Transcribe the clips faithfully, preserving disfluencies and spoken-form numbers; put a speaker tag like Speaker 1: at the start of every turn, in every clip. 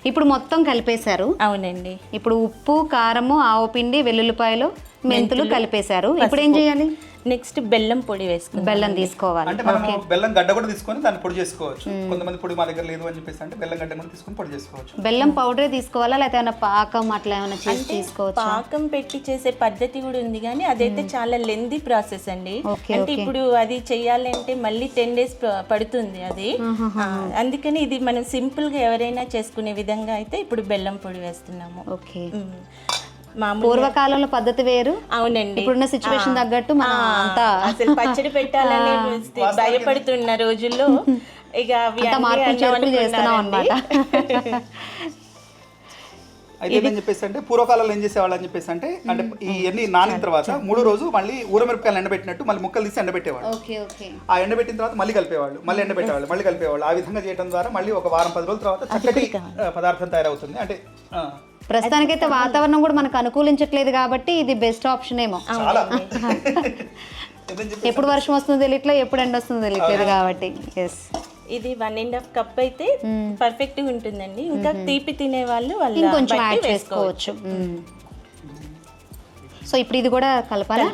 Speaker 1: ఇప్పుడు మొత్తం కలిపేశారు.
Speaker 2: అవునండి.
Speaker 1: ఇప్పుడు ఉప్పు, కారము, ఆవు పిండి, వెల్లుల్లిపాయలు, మెంతులు కలిపేశారు. ఇప్పుడు ఏం చేయాలి?
Speaker 2: నెక్స్ట్ బెల్లం పొడి వేసుకుందాం.
Speaker 1: బెల్లం తీసుకోవాలి.
Speaker 3: అంటే మనం బెల్లం గడ్డ కూడా తీసుకొని దాన్ని పొడి చేసుకోవచ్చు. కొంతమంది పొడి మా దగ్గర లేదు అని చెప్పేసి అంటే బెల్లం గడ్డ కూడా తీసుకొని పొడి చేసుకోవచ్చు.
Speaker 1: బెల్లం పౌడరే తీసుకోవాలా లేకపోతే ఏమైనా పాకం అట్లా ఏమైనా చేసి తీసుకోవచ్చు?
Speaker 2: పాకం పెట్టి చేసే పద్ధతి కూడా ఉంది కానీ అదైతే చాలా లెందీ ప్రాసెస్ అండి. అంటే ఇప్పుడు అది చెయ్యాలంటే మళ్ళీ టెన్ డేస్ పడుతుంది అది. అందుకని ఇది మనం సింపుల్ గా ఎవరైనా చేసుకునే విధంగా అయితే ఇప్పుడు బెల్లం పొడి వేస్తున్నాము.
Speaker 1: ఓకే. పూర్వకాలంలో పద్ధతి వేరు.
Speaker 2: అవునండి.
Speaker 1: ఇప్పుడున్న సిచ్యువేషన్ తగ్గట్టు మనం అంతా
Speaker 2: అసలు పచ్చడి పెట్టాలని భయపడుతున్న రోజుల్లో ఇక
Speaker 1: మార్పులు చేర్పులు చేస్తున్నాం అన్నమాట.
Speaker 3: అయితే ఏమని చెప్పేసి అంటే పూర్వకాలంలో ఏం చేసేవాళ్ళు అని చెప్పేసి అంటే అంటే ఇవన్నీ నానిన తర్వాత మూడో రోజు మళ్ళీ ఊరమిరపకాయలు ఎండబెట్టినట్టు మళ్ళీ ముక్కలు తీసి ఎండబెట్టేవాళ్ళు. ఆ ఎండబెట్టిన తర్వాత మళ్ళీ కలిపేవాళ్ళు, మళ్ళీ ఎండబెట్టేవాళ్ళు, మళ్ళీ కలిపేవాళ్ళు. ఆ విధంగా చేయడం ద్వారా మళ్ళీ ఒక వారం పది రోజుల తర్వాత చక్కటి పదార్థం తయారవుతుంది. అంటే
Speaker 1: ప్రస్తుతానికైతే వాతావరణం కూడా మనకు అనుకూలించట్లేదు కాబట్టి ఇది బెస్ట్ ఆప్షన్ ఏమో. ఎప్పుడు వర్షం వస్తుందో తెలియట్లేదు, ఎప్పుడు ఎండ వస్తుందో తెలియట్లేదు కాబట్టి. ఎస్,
Speaker 2: ఇది వన్ అండ్ హాఫ్ కప్ అయితే పర్ఫెక్ట్ గా ఉంటుందండి. ఇంకా తీపి తినే వాళ్ళు వాళ్ళు
Speaker 1: ఇంకొంచెం యాడ్ చేసుకోవచ్చు. సో ఇప్పుడు ఇది కూడా కలపాలా?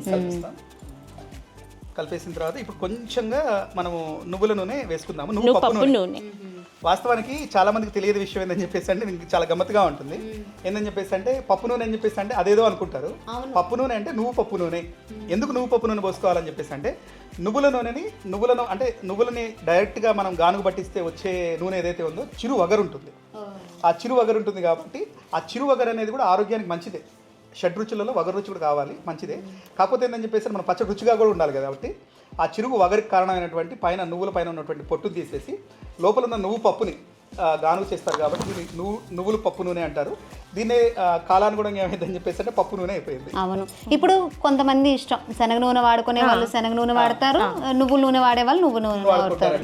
Speaker 3: కలిపేసిన తర్వాత ఇప్పుడు కొంచెంగా మనము నువ్వుల నూనె వేసుకుందాము. నువ్వు పప్పు నూనె. వాస్తవానికి చాలా మందికి తెలియదు విషయం ఏందని చెప్పేసి అంటే దీనికి చాలా గమ్మత్తుగా ఉంటుంది. ఏందని చెప్పేసి అంటే పప్పు నూనె అని చెప్పేసి అంటే అదేదో అనుకుంటారు. పప్పు నూనె అంటే నువ్వు పప్పు నూనె. ఎందుకు నువ్వు పప్పు నూనె పోసుకోవాలని చెప్పేసి అంటే నువ్వుల నూనెని నువ్వులను అంటే నువ్వులని డైరెక్ట్గా మనం గానుగు పట్టిస్తే వచ్చే నూనె ఏదైతే ఉందో చిరు వగరు ఉంటుంది. ఆ చిరు వగరు ఉంటుంది కాబట్టి ఆ చిరు వగరు అనేది కూడా ఆరోగ్యానికి మంచిదే. షడ్ రుచులలో వగరు రుచి కూడా కావాలి, మంచిదే. కాకపోతే ఏంటని చెప్పేసి మనం పచ్చడి రుచిగా కూడా ఉండాలి కదా. కాబట్టి ఆ చిరుగు వగరికి కారణమైనటువంటి పైన నువ్వుల పైన ఉన్నటువంటి పొట్టు తీసేసి లోపల ఉన్న నువ్వు పప్పుని గానుగు చేస్తారు కాబట్టి దీన్ని నువ్వు నువ్వులు పప్పు నూనె అంటారు. దీన్నే కాలానుగుణంగా ఏమైందని చెప్పేసి అంటే పప్పు నూనె అయిపోయింది.
Speaker 1: అవును. ఇప్పుడు కొంతమంది ఇష్టం శనగ నూనె వాడుకునే వాళ్ళు శనగ నూనె వాడతారు, నువ్వుల నూనె వాడే వాళ్ళు నువ్వు నూనె వాడతారు.